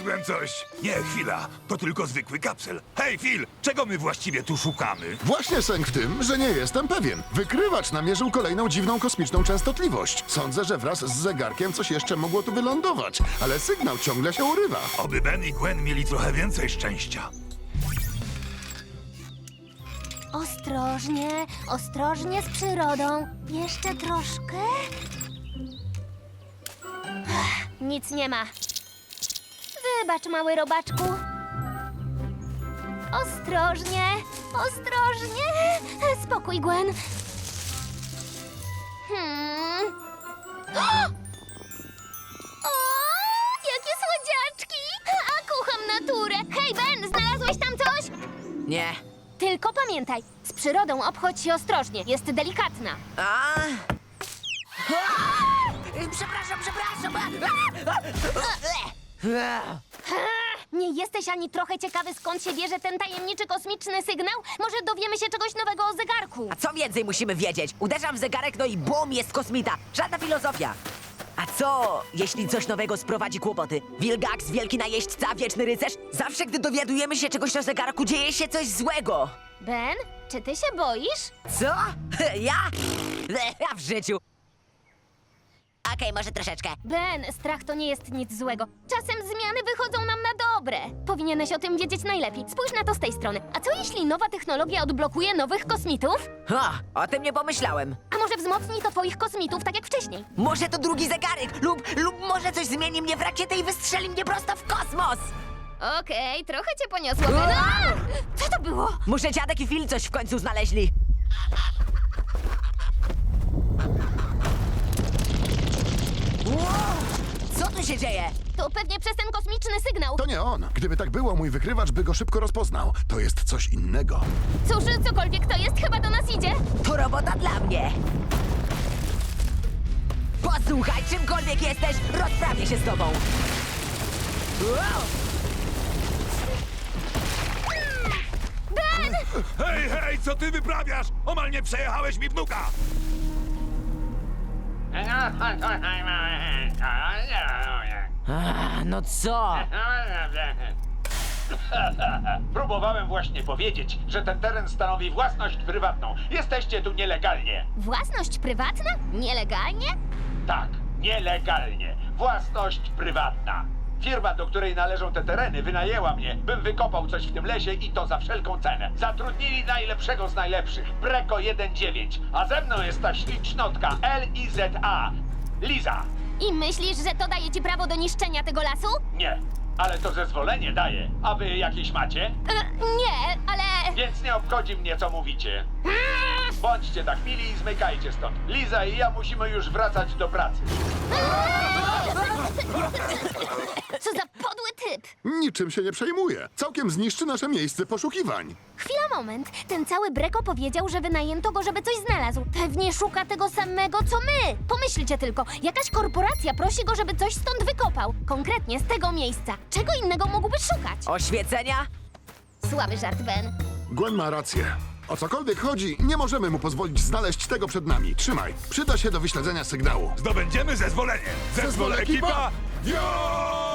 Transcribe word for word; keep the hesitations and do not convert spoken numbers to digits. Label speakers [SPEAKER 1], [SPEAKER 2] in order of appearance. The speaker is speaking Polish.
[SPEAKER 1] znalazłem coś! Nie, chwila, to tylko zwykły kapsel. Hej, Phil, czego my właściwie tu szukamy?
[SPEAKER 2] Właśnie sęk w tym, że nie jestem pewien. Wykrywacz namierzył kolejną dziwną kosmiczną częstotliwość. Sądzę, że wraz z zegarkiem coś jeszcze mogło tu wylądować, ale sygnał ciągle się urywa.
[SPEAKER 1] Oby Ben i Gwen mieli trochę więcej szczęścia.
[SPEAKER 3] Ostrożnie, ostrożnie z przyrodą. Jeszcze troszkę. Ech, nic nie ma. Wybacz, mały robaczku. Ostrożnie, ostrożnie. Spokój, Gwen. Hmm. O! O, jakie słodziaczki! A kocham naturę. Hej, Ben, znalazłeś tam coś?
[SPEAKER 4] Nie.
[SPEAKER 3] Tylko pamiętaj, z przyrodą obchodź się ostrożnie. Jest delikatna.
[SPEAKER 4] A? Przepraszam, przepraszam.
[SPEAKER 3] Nie jesteś ani trochę ciekawy, skąd się bierze ten tajemniczy kosmiczny sygnał? Może dowiemy się czegoś nowego o zegarku.
[SPEAKER 4] A co więcej musimy wiedzieć? Uderzam w zegarek, no i bum, jest kosmita. Żadna filozofia. A co, jeśli coś nowego sprowadzi kłopoty? Wilgax, wielki najeźdźca, wieczny rycerz? Zawsze, gdy dowiadujemy się czegoś o zegarku, dzieje się coś złego.
[SPEAKER 3] Ben, czy ty się boisz?
[SPEAKER 4] Co? Ja? Ja w życiu. Okej, może troszeczkę.
[SPEAKER 3] Ben, strach to nie jest nic złego. Czasem zmiany wychodzą nam na dobre. Powinieneś o tym wiedzieć najlepiej. Spójrz na to z tej strony. A co jeśli nowa technologia odblokuje nowych kosmitów?
[SPEAKER 4] Ha, o tym nie pomyślałem.
[SPEAKER 3] A może wzmocni to twoich kosmitów tak jak wcześniej?
[SPEAKER 4] Może to drugi zegarek lub, lub może coś zmieni mnie w rakietę i wystrzeli mnie prosto w kosmos.
[SPEAKER 3] Okej, trochę cię poniosło, Ben. A! Co to było?
[SPEAKER 4] Muszę dziadek i Phil coś w końcu znaleźli. Wow! Co tu się dzieje?
[SPEAKER 3] To pewnie przez ten kosmiczny sygnał.
[SPEAKER 2] To nie on. Gdyby tak było, mój wykrywacz by go szybko rozpoznał. To jest coś innego.
[SPEAKER 3] Cóż, cokolwiek to jest, chyba do nas idzie.
[SPEAKER 4] To robota dla mnie. Posłuchaj, czymkolwiek jesteś, rozprawię się z tobą. Wow!
[SPEAKER 3] Ben!
[SPEAKER 1] Hej, hej, co ty wyprawiasz? Omal nie przejechałeś mi wnuka!
[SPEAKER 4] A, no co?
[SPEAKER 5] Próbowałem właśnie powiedzieć, że ten teren stanowi własność prywatną. Jesteście tu nielegalnie.
[SPEAKER 3] Własność prywatna? Nielegalnie?
[SPEAKER 5] Tak, nielegalnie. Własność prywatna. Firma, do której należą te tereny, wynajęła mnie, bym wykopał coś w tym lesie i to za wszelką cenę. Zatrudnili najlepszego z najlepszych, Breko jeden dziewięć, a ze mną jest ta ślicznotka L I Z A, Liza.
[SPEAKER 3] I myślisz, że to daje ci prawo do niszczenia tego lasu?
[SPEAKER 5] Nie, ale to zezwolenie daje. A wy jakieś macie?
[SPEAKER 3] E, nie, ale...
[SPEAKER 5] Więc nie obchodzi mnie, co mówicie. Bądźcie tak mili i zmykajcie stąd. Liza i ja musimy już wracać do pracy.
[SPEAKER 3] Co za podły typ!
[SPEAKER 2] Niczym się nie przejmuje. Całkiem zniszczy nasze miejsce poszukiwań.
[SPEAKER 3] Chwila, moment. Ten cały Breko powiedział, że wynajęto go, żeby coś znalazł. Pewnie szuka tego samego, co my. Pomyślcie tylko, jakaś korporacja prosi go, żeby coś stąd wykopał. Konkretnie z tego miejsca. Czego innego mógłby szukać?
[SPEAKER 4] Oświecenia?
[SPEAKER 3] Słaby żart, Ben.
[SPEAKER 2] Gwen ma rację. O cokolwiek chodzi, nie możemy mu pozwolić znaleźć tego przed nami. Trzymaj. Przyda się do wyśledzenia sygnału.
[SPEAKER 1] Zdobędziemy zezwolenie! Zezwol
[SPEAKER 2] Zezwol ekipa!
[SPEAKER 1] ekipa! Jo!